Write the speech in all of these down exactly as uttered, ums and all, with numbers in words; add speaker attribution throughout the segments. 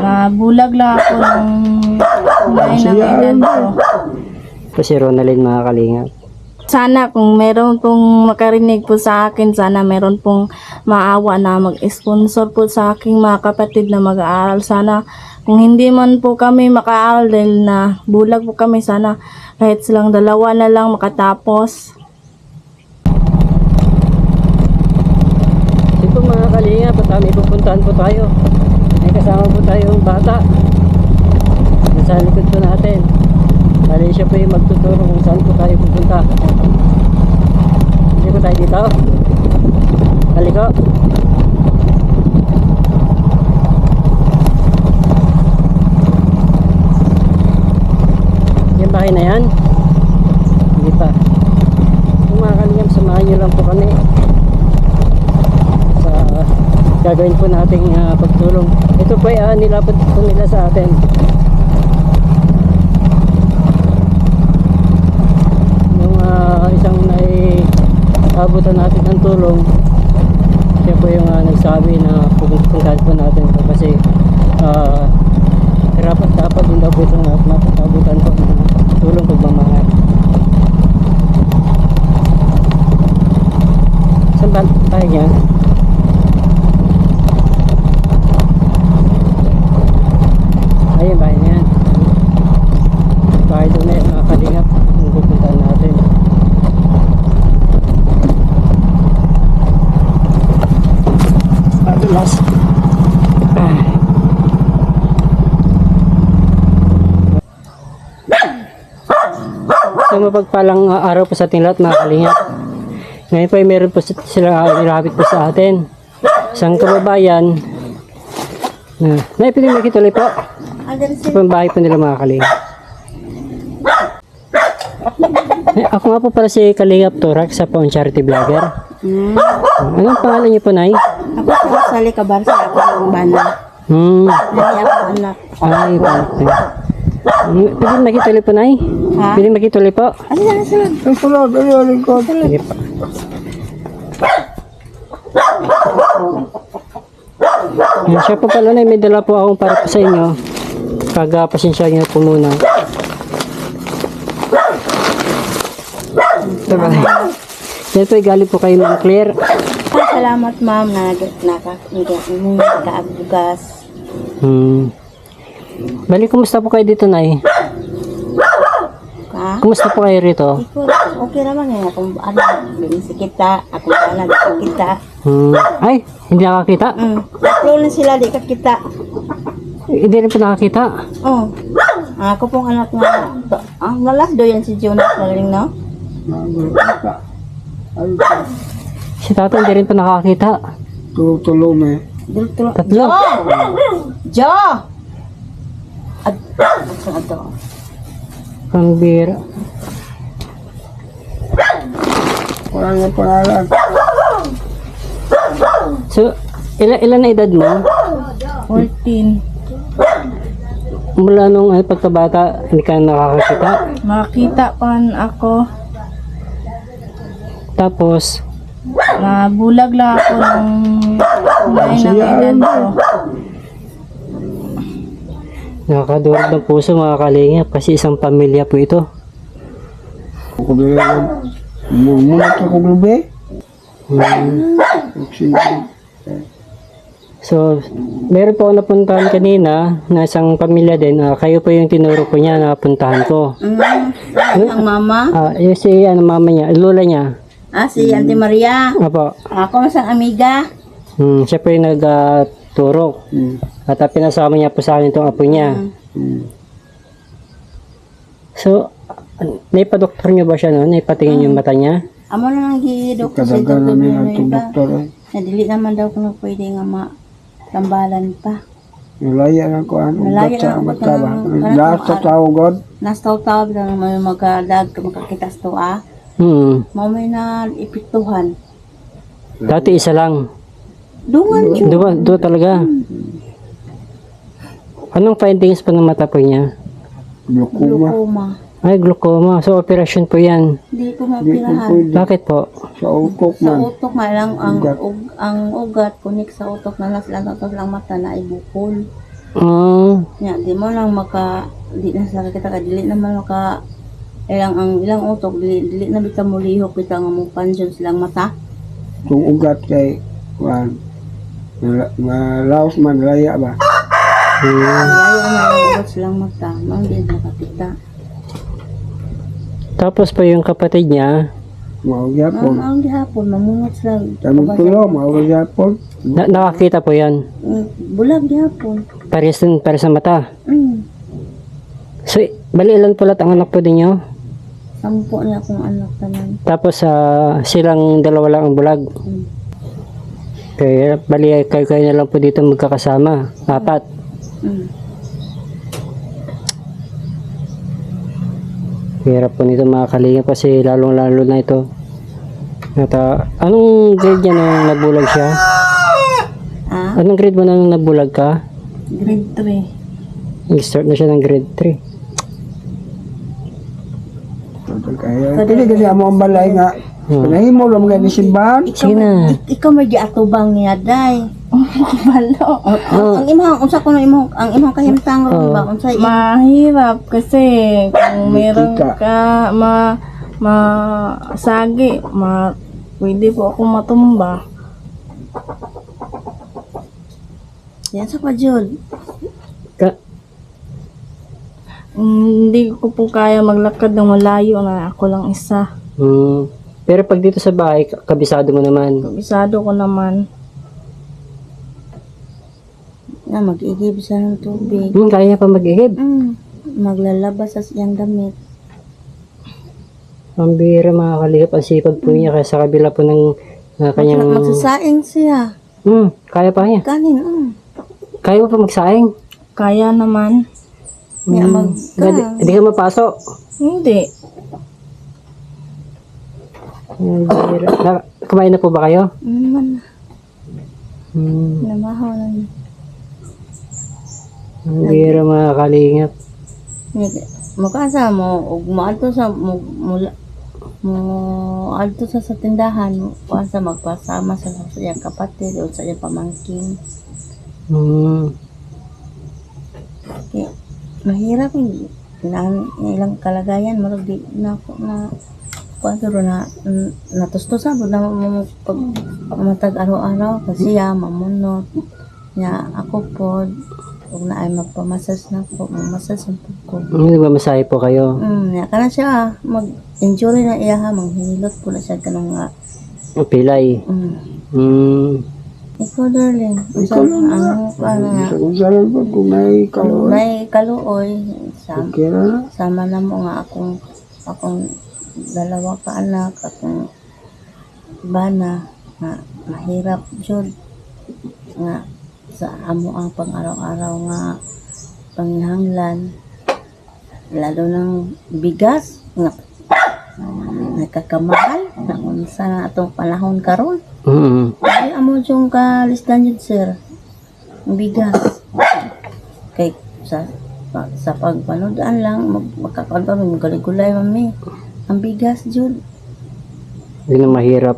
Speaker 1: Nabulag lang ako ng kulay ng edad ko.
Speaker 2: Po si Ronaldin, mga kalingap.
Speaker 1: Sana kung meron pong makarinig po sa akin, sana meron pong maawa na mag-sponsor po sa aking mga kapatid na mag-aaral. Sana kung hindi man po kami makaaral dahil na bulag po kami, sana kahit silang dalawa na lang makatapos.
Speaker 2: Ito mga kalingap, at may pupuntahan po tayo. May kasama po tayong bata. Nasa likod po natin. Bali siya po yung magtuturo kung saan po tayo pupunta. Hindi po tayo dito. Haliko. Yung bahay na yan? Hindi pa. Kung mga kalingap, samahan nyo lang po kami sa gagawin po nating uh, pagtulong. Ito po ay uh, nilapad po nila sa atin. Isang naiabutan natin ng tulong, siya po yung uh, nagsabi na pupuntahan po natin ito kasi uh, dapat dapat din daw po itong matasabutan po ng tulong pagmamahal. Saan ba tayo niya? Ayun, bahay na yan. Bahay doon na yung mga kalingap kung pupuntahan natin. Last. So mapagpalang uh, araw po sa ating lahat, mga kalingap. Ngayon po ay meron po sila uh, nilapit po sa atin. Isang kababayan na uh, naipili makituloy po sa pambahay po nila, mga kalingap. Eh, ako nga po para si Kalingap Turak, sa po ang charity vlogger.
Speaker 1: Hmm.
Speaker 2: Anong pangalan niyo po, Nay?
Speaker 1: Ako sa Sali Kabarsa, ako ng bana.
Speaker 2: Hmm.
Speaker 1: Hindi ako anak.
Speaker 2: Ay, bakit? Pwede makituloy po, Nay?
Speaker 1: Ha?
Speaker 2: Pwede makituloy po?
Speaker 1: Ano na sunod?
Speaker 3: Ang sunod, ayun ko.
Speaker 2: Sige po. Yan, siya po pala, Nay, may dala po akong para po sa inyo. Kaga, pasensya niyo po muna. Diba? Yan po, galing po kay Ma'am Claire.
Speaker 1: Ay, salamat ma'am na nagkaabugas.
Speaker 2: Hmm. Bali, kumusta po kayo dito, Nay?
Speaker 1: Ha?
Speaker 2: Kumusta po kayo rito?
Speaker 1: Iko, okay naman nga kung ano, si kita, ako na ako kita.
Speaker 2: Hmm. Ay, hindi nakakita?
Speaker 1: Mm. Flow na sila, di ka kita.
Speaker 2: Hindi rin po nakakita.
Speaker 1: Oh. Ako pong anak nga. Ah, lalas do yan si Jonas Galing, no?
Speaker 2: Si Tata hindi rin po nakakita.
Speaker 3: Tulo-tulo me.
Speaker 1: Dultulo.
Speaker 2: Tatlo.
Speaker 1: Jo! Ad, ad, ad,
Speaker 2: Pambira.
Speaker 3: Wala nga pangalan.
Speaker 2: So, ilan, ilan na edad mo?
Speaker 1: fourteen.
Speaker 2: Mula nung ay, pagkabata, hindi ka nakakakita.
Speaker 1: Makita pa ako.
Speaker 2: Tapos,
Speaker 1: Nabulag lang ako ng kulay ng edad ko.
Speaker 2: nakakadurog ng puso, mga kalingap, kasi isang pamilya po ito.
Speaker 3: Ako bilang muna ka kong lubi.
Speaker 2: Hmm.
Speaker 3: Sige.
Speaker 2: So, meron po ako napuntahan kanina na isang pamilya din. Ah, kayo po yung tinuro ko niya na puntahan ko.
Speaker 1: Mm, ang mama?
Speaker 2: Ah, yung si ano, mama niya, lola niya.
Speaker 1: Ah, si Auntie Maria.
Speaker 2: Apo.
Speaker 1: Ako masang amiga.
Speaker 2: Hmm, siya po yung nagturo.
Speaker 3: Hmm.
Speaker 2: At uh, pinasama niya po sa akin itong apo niya.
Speaker 3: Hmm.
Speaker 2: So, naipa-doktor niyo ba siya, no? Naipatingin yung mata niya?
Speaker 1: Amo na nang gidok sa
Speaker 3: Kadagan
Speaker 1: doktor
Speaker 3: namin
Speaker 1: na
Speaker 3: ang
Speaker 1: iba.
Speaker 3: doktor.
Speaker 1: Nadili naman daw kung pwede nga matambalan pa.
Speaker 3: Nalaya na ko ano.
Speaker 1: Nalaya
Speaker 3: Nalaya
Speaker 1: na ako
Speaker 3: na
Speaker 1: ka
Speaker 3: ba?
Speaker 1: ng-
Speaker 3: Lahat sa tao, God.
Speaker 1: Nastaw-taw lang may magadag makakita sa tuwa.
Speaker 2: Hmm.
Speaker 1: Mao may na ipituhan.
Speaker 2: Dati isa lang.
Speaker 1: Dungan yun.
Speaker 2: Dua, dua talaga. Anong findings po ng mata po niya?
Speaker 3: Glaucoma.
Speaker 1: Glaucoma.
Speaker 2: Ay, glaucoma. So, operasyon po yan.
Speaker 1: Hindi ko
Speaker 3: Hindi ko
Speaker 1: mapirahan.
Speaker 3: pwede.
Speaker 2: Bakit po?
Speaker 3: Sa utok
Speaker 1: Sa
Speaker 3: man.
Speaker 1: utok nga lang ang
Speaker 3: Ugat.
Speaker 1: ug, ang ugat kunik sa utok na nas lang tapos lang mata na ibukol.
Speaker 2: Ah,
Speaker 4: Nya, di mo lang maka, di na sa kita ka, dili naman maka, ilang ang ilang utok, dili, dili na bita mo lihok, bita nga mo pansyon silang mata.
Speaker 3: Kung ugat kay kuan. Mala- Malaos man laya ba?
Speaker 2: hmm.
Speaker 4: Ayaw na lang ugat silang mata, man din makakita.
Speaker 2: Tapos po yung kapatid niya,
Speaker 3: Mao
Speaker 4: Ang
Speaker 3: gyapon.
Speaker 4: ang gihapon, mamungot sila.
Speaker 3: Tamang tulo, mao gyapon.
Speaker 2: na- nakakita po yan.
Speaker 4: Mm, bulag gihapon.
Speaker 2: Pares din, pares sa mata.
Speaker 4: Mm.
Speaker 2: So, bali ilan pala ang anak po ninyo?
Speaker 4: Sampo niya akong anak tanan.
Speaker 2: Tapos ah, silang dalawa lang ang bulag.
Speaker 4: Mm.
Speaker 2: Kaya bali kayo kayo na lang po dito magkakasama. Apat.
Speaker 4: Mm.
Speaker 2: Hirap po nito mga kalinga kasi lalong lalo na ito. At ah, anong grade niya nung nabulag siya?
Speaker 4: Ah,
Speaker 2: Anong grade mo nang nabulag ka?
Speaker 4: grade three.
Speaker 2: Nag-start na siya ng grade three.
Speaker 3: Kaya kini gani amo ang balay nga.
Speaker 2: Hmm.
Speaker 3: Nahimo lang mga simbahan.
Speaker 2: Sige na.
Speaker 4: Ik- ikaw may giatubang niya, day.
Speaker 1: Balo.
Speaker 2: Oh.
Speaker 4: Ang imong, unsa ko na imong, ang imong kahimtang ron
Speaker 2: Oh.
Speaker 4: ba? Unsa imong
Speaker 1: Mahirap kasi kung meron
Speaker 3: Kita.
Speaker 1: ka ma masagi, ma pwede po ako matumba.
Speaker 4: yan sa pa, Jud.
Speaker 2: Ka
Speaker 1: Mm, Hindi ko po kaya maglakad ng malayo na ako lang isa.
Speaker 2: hmm. Pero pag dito sa bahay, ka- kabisado mo naman.
Speaker 1: Kabisado ko naman.
Speaker 4: Na mag-igib siya ng tubig.
Speaker 2: Hmm, kaya niya pa mag-ihib.
Speaker 4: Mm. Maglalabas sa siyang damit.
Speaker 2: Ang bihira mga kalihap ang sipag po niya kaya sa kabila po ng ah, kanyang...
Speaker 4: Magsasaing siya.
Speaker 2: Hmm, kaya pa niya.
Speaker 4: Kanin, mm.
Speaker 2: Kaya mo pa magsaing.
Speaker 1: Kaya naman.
Speaker 4: Nga
Speaker 2: Hmm.
Speaker 4: mag...
Speaker 2: Hindi hindi ka mapasok.
Speaker 1: Hindi.
Speaker 2: Ang bihira. Na- Kumain na po ba kayo?
Speaker 4: Mm, man.
Speaker 2: Hmm.
Speaker 4: Namahaw na niya.
Speaker 2: Ang bihira mga kalingap.
Speaker 4: Makasa mo, ug maadto sa mo mula mo adto sa sa tindahan, kuan sa magpasama sa sa iyang kapatid o sa iyang pamangkin.
Speaker 2: Hmm.
Speaker 4: Kaya, mahirap yung na, ilang kalagayan marag di na ako na kuan pero na n- natustusan mo na mo pag matag araw-araw kasi ya mamunot nya ako po ug na ay magpamasas na ko mamasas ang ko.
Speaker 2: Hindi ba masahe po kayo?
Speaker 4: Mm, ya kana siya mag-enjoy na iya ha manghilot po na siya kanang nga.
Speaker 2: Ang pilay.
Speaker 4: Mm.
Speaker 2: Hmm.
Speaker 4: Ikaw darling,
Speaker 3: Ikaw lang na.
Speaker 4: ano pa nga
Speaker 3: Sa kung saan ba kung may
Speaker 4: kung
Speaker 3: kaluoy.
Speaker 4: may kaluoy sa
Speaker 3: Okay na.
Speaker 4: sama na mo nga akong akong dalawa ka anak akong bana nga mahirap jud nga sa amo ang pang araw-araw nga panghanglan lalo ng bigas nga nagkakamahal na unsa na atong panahon karon.
Speaker 2: Hmm.
Speaker 4: Ay amo jung ka listan jud sir ang bigas kay sa pa- sa pagpanudaan lang mag- magkakaon kami gulay-gulay mami ang bigas jud.
Speaker 2: Hindi na mahirap.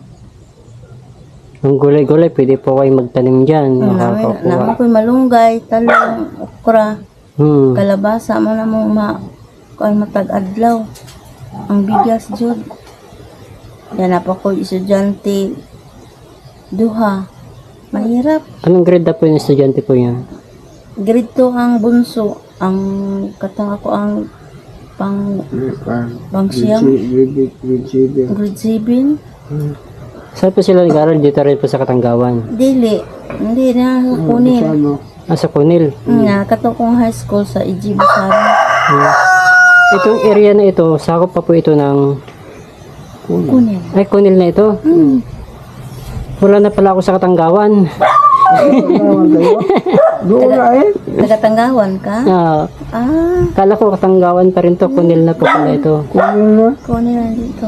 Speaker 2: Ang gulay-gulay, pwede po kayo magtanim dyan.
Speaker 4: Namin
Speaker 2: Nakakakuha.
Speaker 4: naman ko'y malunggay, talong, okra,
Speaker 2: Hmm.
Speaker 4: kalabasa man na mo ma kuan matag adlaw. Ang bigas jud. Yan na pa ko estudyante duha. Mahirap.
Speaker 2: Anong grade na po yung estudyante po niya?
Speaker 4: Grade two ang bunso. Ang katang ako ang pang pang siyam,
Speaker 3: Grade seven.
Speaker 4: grade seven.
Speaker 2: Saan po sila nag-aaral? Dito rin po sa Katanggawan.
Speaker 4: Dili. Hindi na kunin.
Speaker 3: Ano?
Speaker 2: Ah, sa Kunil.
Speaker 4: Nga katong kong high school sa E G Busari.
Speaker 2: Hmm. Itong area na ito, sakop pa po ito ng...
Speaker 4: Kunin.
Speaker 2: Ay, Kunil na ito.
Speaker 4: Hmm.
Speaker 2: Wala na pala ako sa Katanggawan.
Speaker 3: Tawag kayo? Doon na eh.
Speaker 4: Tagatanggawan ka?
Speaker 2: Ah,
Speaker 4: Ah,
Speaker 2: kala ko Katanggawan pa rin to. Kunil na po pala ito.
Speaker 3: Kunin na.
Speaker 4: kunin na dito.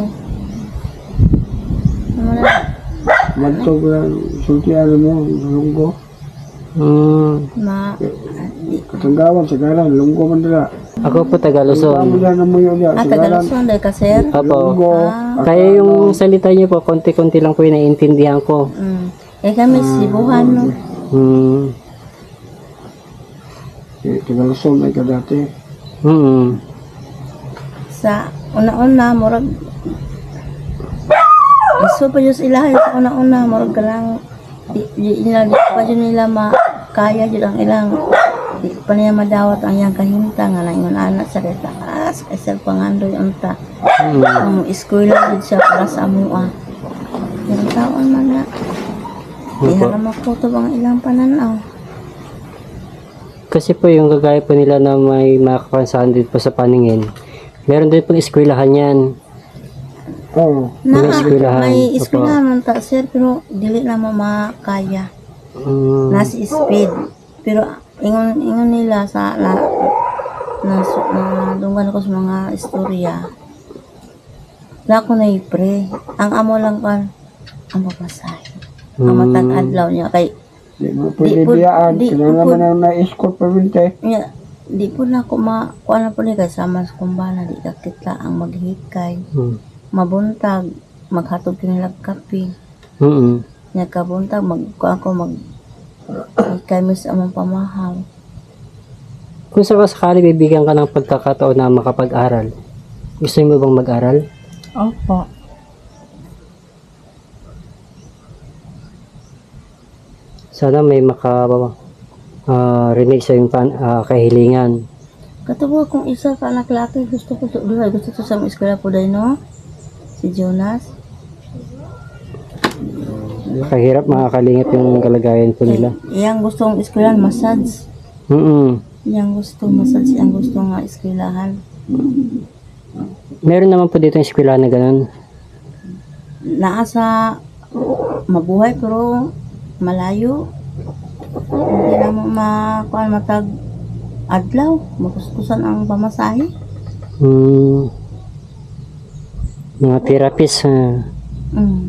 Speaker 4: Ano na?
Speaker 3: Magtog lang. Sultihan mo. Lunggo.
Speaker 2: Hmm.
Speaker 4: Ma,
Speaker 3: Katanggawan sa galan. Lunggo man dala.
Speaker 2: Ako po taga
Speaker 3: Amo
Speaker 2: Luzon.
Speaker 3: dyan na mo yun dyan.
Speaker 4: ah,
Speaker 3: Sa galan.
Speaker 4: Tagaluson dahil ka, sir?
Speaker 2: Opo.
Speaker 3: Lunggo.
Speaker 4: Ah.
Speaker 2: Kaya yung salita niyo po, konti-konti lang po yung naiintindihan ko.
Speaker 4: Mm. Eh kami, sibuhan, no?
Speaker 2: Hmm.
Speaker 3: Si Tigalusong ay kadati.
Speaker 2: Mm.
Speaker 4: Sa una-una, murag gusto pa Diyos ilahay sa una-una, murag ka lang di, di, di, di pa yun nila makaya yun ang ilang di pa niya madawat ang iyang kahinta nga lang yung anak sa retaas kasi pangandoy ang ta
Speaker 2: Mm.
Speaker 4: ang eskwela yun siya para sa amua yung taon man na di
Speaker 2: Opo.
Speaker 4: haram makutob ang ilang pananaw.
Speaker 2: Kasi po yung kagaya po nila na may makapansahan din po sa paningin, meron din pong eskwelahan yan.
Speaker 3: Oo.
Speaker 4: Na,
Speaker 2: May eskwelahan.
Speaker 4: may
Speaker 2: Opo.
Speaker 4: eskwelahan man ta sir pero dili na mo makaya.
Speaker 2: Mm.
Speaker 4: Nasa speed. Pero ingon ingon nila sa na na, na dungan ko sa mga istorya. Na ako na ipre. Ang amo lang kan ang papasay. Ang
Speaker 2: Mm.
Speaker 4: matag adlaw niya kay
Speaker 3: Di mo pwede
Speaker 4: Di po-
Speaker 3: biyaan.
Speaker 4: di
Speaker 3: Kailangan
Speaker 4: po-
Speaker 3: naman ang na-escort pa binte.
Speaker 4: niya di po na ako ma kuan na po ni kay sama sa kumbana di kakita ang maghikay.
Speaker 2: Mm.
Speaker 4: Mabuntag maghatod kinilag kape.
Speaker 2: Mm.
Speaker 4: Nya kabuntag mag kuan ko mag hikay mo sa among pamahaw.
Speaker 2: Kung sakasakali bibigyan ka ng pagkakataon na makapag-aral, gusto mo bang mag-aral?
Speaker 1: Opo.
Speaker 2: Sana may maka ah, rinig sa yung pan, ah, kahilingan.
Speaker 4: Katuwa kung isa ka anak laki, gusto ko to, duhay, gusto to sa mga eskwela po dahil, no? Si Jonas.
Speaker 2: Kahirap makakalingap yung kalagayan po nila.
Speaker 4: Eh, iyang gustong eskwelahan, massage.
Speaker 2: Mm.
Speaker 4: Iyang gusto, massage, iyang gusto nga eskwelahan.
Speaker 2: Meron naman po dito yung eskwela na ganun.
Speaker 4: Naasa mabuhay pero malayo. Hindi na mo makuha matag adlaw. Makuskusan ang pamasahe.
Speaker 2: Mm. Mga therapist. ah.
Speaker 4: Mm.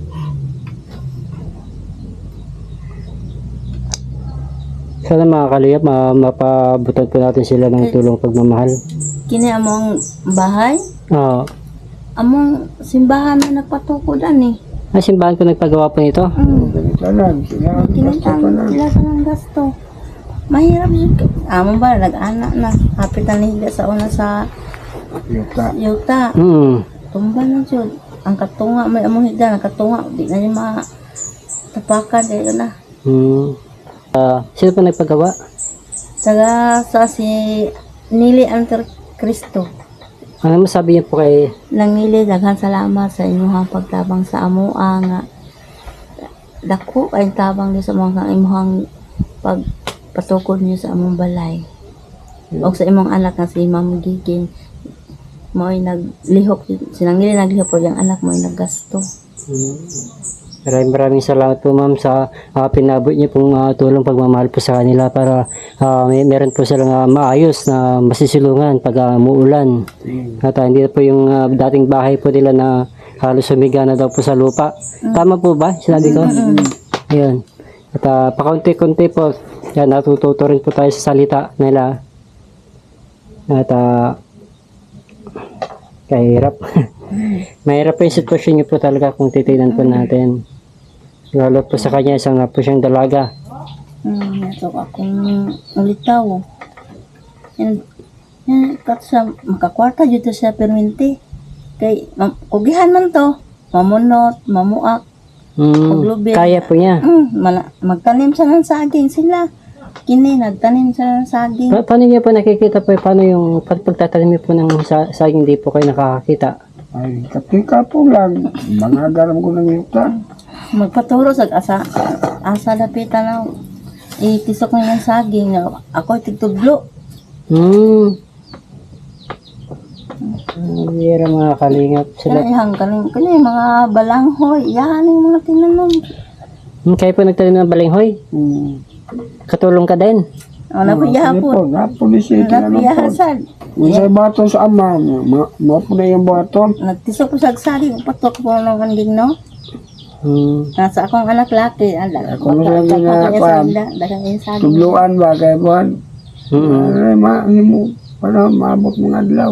Speaker 2: Sana makakalingap, ma mapabutan po natin sila ng tulong pagmamahal.
Speaker 4: Kini among bahay.
Speaker 2: Oo.
Speaker 4: Among simbahan na nagpatukod ani.
Speaker 2: Ah, simbahan po nagpagawa po nito.
Speaker 4: Mm.
Speaker 3: Ganitanan. Sila ang gusto
Speaker 4: Kinitang
Speaker 3: pa lang.
Speaker 4: sila sa ng gasto. Mahirap yun. Amo ba, nag-anak na. Kapitan nila sa una sa
Speaker 3: Yuta.
Speaker 4: yuta.
Speaker 2: Mm.
Speaker 4: Tumba na yun. Ang katunga, may among higda, ang katunga. Di na niya matapakan. Dahil na.
Speaker 2: Mm. Ah, sino po nagpagawa?
Speaker 4: Taga sa si Nili Anter Cristo.
Speaker 2: Ano masabi niyo po kay
Speaker 4: Nang Nili, daghan salamat sa inyong pagtabang sa amoa nga. Dako ay tabang niyo sa mga imuhang pagpatukod niyo sa among balay. O sa imong anak nga si Ma'am Giging mo ay naglihok, sinang Nili naglihok po yung anak mo ay naggasto.
Speaker 2: Mm. Maraming maraming salamat po ma'am sa ah, pinabot niyo pong ah, tulong pagmamahal po sa kanila para ah, may meron po silang ah, maayos na masisilungan pag ah, muulan. At ah, hindi na po yung ah, dating bahay po nila na halos sumiga na daw po sa lupa. Tama po ba? Sinabi ko? Ayun. At ah, pakaunti-kunti po, yan, natututo rin po tayo sa salita nila. At ah, kahirap. Mahirap po yung sitwasyon niyo po talaga kung titignan po natin. Lalo po sa kanya, isang nga po siyang dalaga.
Speaker 4: Hmm, nato akong ulitaw. And, yan, kat sa makakwarta dito sa perminti. Kay, ma- kugihan man to. Mamunot, mamuak.
Speaker 2: Mm,
Speaker 4: Paglubid.
Speaker 2: kaya po niya.
Speaker 4: Mm, mala, magtanim sa ng saging sila. Kini, nagtanim sa ng saging.
Speaker 2: Pa- paano niyo po nakikita po, paano yung pag pagtatanim niyo po ng sa saging di po kayo nakakakita?
Speaker 3: Ay, katika po lang. Mga garam ko ng yuta.
Speaker 4: Magpaturo sa asa, asa lapitan na itisok na yung saging. Ako tigtudlo.
Speaker 2: Hmm. Ang bira mga kalingap sila.
Speaker 4: Kanayang kaning kanay mga balanghoy. Yan yung mga tinanom.
Speaker 2: Hmm, kayo po nagtanim ng balinghoy?
Speaker 3: Hmm.
Speaker 2: Katulong ka din?
Speaker 4: O, napiyaha
Speaker 3: Ano
Speaker 4: po.
Speaker 3: po, napulis yung
Speaker 4: Napiyaha
Speaker 3: tinanong po.
Speaker 4: sad.
Speaker 3: Kung sa bato sa ama, ma- mo po na yung bato.
Speaker 4: Nagtisok ko sa saging. Patok po ng anding, no?
Speaker 2: Hmm.
Speaker 4: Nasa akong anak laki. Ala,
Speaker 3: Ako na lang ginagawa.
Speaker 4: Dagang yung saging.
Speaker 3: Tubluan ba kay Juan?
Speaker 2: Mm.
Speaker 3: Ay, ma, ano mo, para maabot mga adlaw.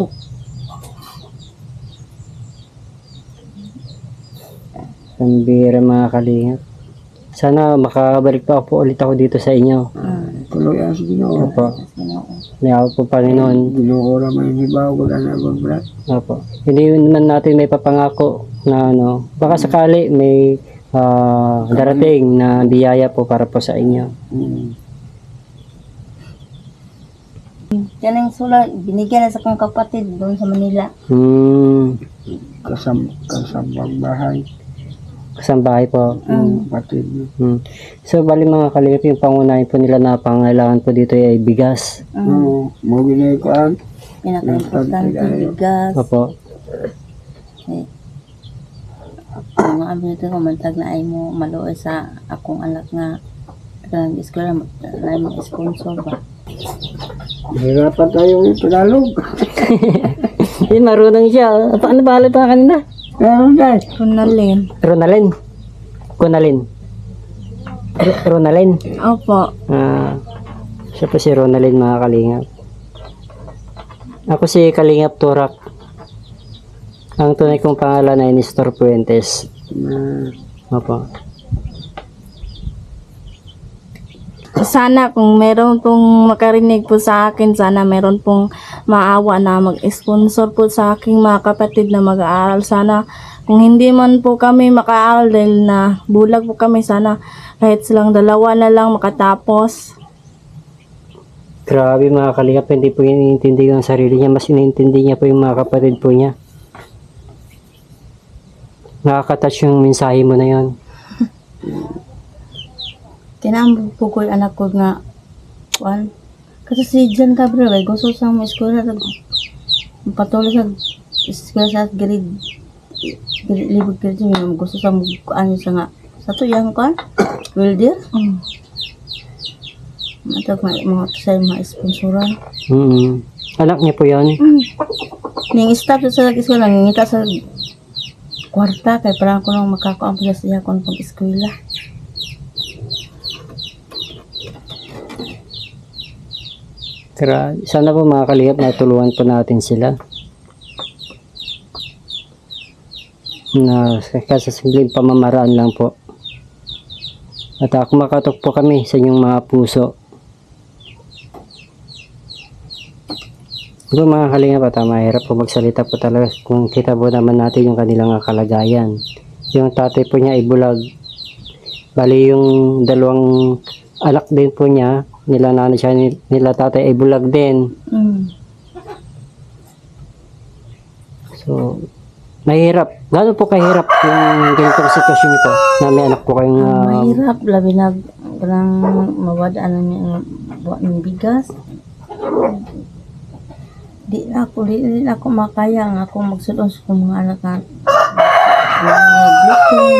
Speaker 2: Ang bira mga kalingap. Sana makabalik pa po ulit ako dito sa inyo.
Speaker 4: Ah.
Speaker 3: Ito kaluyan sa Ginoo.
Speaker 2: Opo.
Speaker 4: Ginoo.
Speaker 2: Niyaw po Panginoon.
Speaker 3: Ginoo ra man hibaw ko na nagod brat.
Speaker 2: Opo. Hindi naman natin may papangako na ano, baka sakali may ah, darating na biyaya po para po sa inyo.
Speaker 3: Mm.
Speaker 4: Yan ang sulat, binigyan na sa kong kapatid doon sa Manila.
Speaker 2: Hmm,
Speaker 3: Kasam kasambang bahay.
Speaker 2: kasambahay po.
Speaker 3: Mm. Patid niya.
Speaker 2: Hmm. So, bali mga kalingap, yung pangunahin po nila na pangailangan po dito ay bigas.
Speaker 4: Mm.
Speaker 3: Oo, mo ginay ko an.
Speaker 4: Pinaka-importante bigas.
Speaker 2: Opo.
Speaker 4: Eh, ang mga abin ito ko, mantag na ay mo maluoy sa akong anak nga kanang eskwela, na ay mo sponsor ba.
Speaker 3: Hirapan tayo yung Tagalog.
Speaker 2: Yun, marunong siya. Paano ba ulit pa kanina?
Speaker 3: Pero dahil.
Speaker 1: Ronalyn.
Speaker 2: Ronalyn. Kunalin. R- Ronalyn.
Speaker 1: Opo.
Speaker 2: Ah, siya po si Ronalyn mga kalingap. Ako si Kalingap Turak. Ang tunay kong pangalan ay Nestor Puentes.
Speaker 3: Na,
Speaker 2: Opo.
Speaker 1: Sana kung meron pong makarinig po sa akin, sana meron pong maawa na mag-sponsor po sa aking mga kapatid na mag-aaral. Sana kung hindi man po kami makaaral dahil na bulag po kami, sana kahit silang dalawa na lang makatapos.
Speaker 2: Grabe mga kalingap, hindi po iniintindi yung sarili niya. Mas iniintindi niya po yung mga kapatid po niya. Nakaka-touch yung mensahe mo na yon.
Speaker 4: Kinambog po ko yung anak ko nga, kuan. Kasi si John Gabriel, ay gusto sa mga eskwela, patuloy sa eskwela sa grade, grade, libog grade, yun, gusto sa mga, ano siya nga, sa to yung kuan, welder,
Speaker 1: Mm.
Speaker 4: matag mga, mga sa mga sponsoran.
Speaker 2: Mm. Anak niya po yon.
Speaker 4: Mm. Ning staff sa eskwela, ngita sa kwarta, kay parang ko nang makakaampo sa siya kung pag eskwela.
Speaker 2: Tara, sana po mga kalingap natulungan po natin sila. Na kasi simpleng pamamaraan lang po. At uh, kumakatok po kami sa inyong mga puso. Ito mga kalingap at uh, mahirap po magsalita po talaga kung kita po naman natin yung kanilang uh, kalagayan. Yung tatay po niya ay bulag. Bali yung dalawang anak din po niya, nila nanay siya, nila tatay ay bulag din.
Speaker 4: Mm.
Speaker 2: So, mahirap. Gano'n po kahirap yung ganitong sitwasyon ko na may anak po kayong
Speaker 4: Ang
Speaker 2: uh,
Speaker 4: mahirap, labi na parang mawadaan na niya buwan ng bigas. Di na ako, di, di na ako makaya nga ako magsulong sa kong mga anak na mga gutom.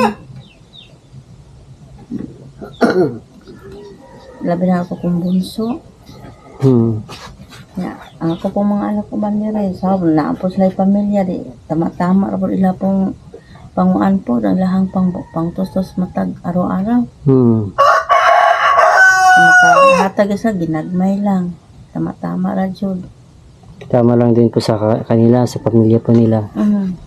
Speaker 4: Labi na ako kong bunso.
Speaker 2: hmm,
Speaker 4: Ya, ang ako pong mga anak ko ba nila rin, sabi na po sila yung pamilya, di, tama-tama po ila pong panguan po, ang lahang pang, pang tos-tos matag araw-araw.
Speaker 2: hmm.
Speaker 4: Makahatag sa ginagmay lang. Tama-tama ra jud.
Speaker 2: Tama lang din po sa ka- kanila, sa pamilya po nila.
Speaker 4: Mm.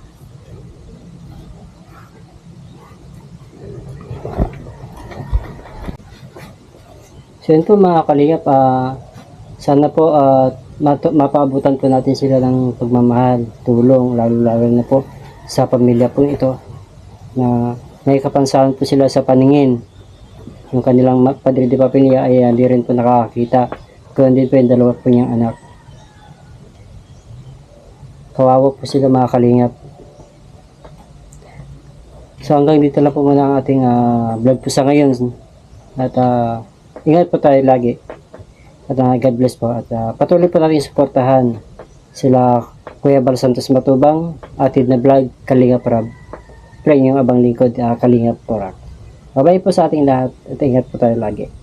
Speaker 2: So yun po mga kalingap, ah, sana po ah, matu- mapaabutan po natin sila ng pagmamahal, tulong, lalo-lalo na po sa pamilya po ito na may kapansahan po sila sa paningin. Yung kanilang ma- padre de pamilya ay hindi rin po nakakakita. Kaya din po yung dalawa po niyang anak. Kawawa po sila mga kalingap. So hanggang dito lang po muna ang ating ah, vlog po sa ngayon. At ah, ingat po tayo lagi. At uh, God bless po. At uh, patuloy po natin suportahan sila Kuya Bal Santos Matubang, atid na vlog, Kalingap Rab. Pray yung abang lingkod, uh, Kalingap Turak. Bye-bye po sa ating lahat at ingat po tayo lagi.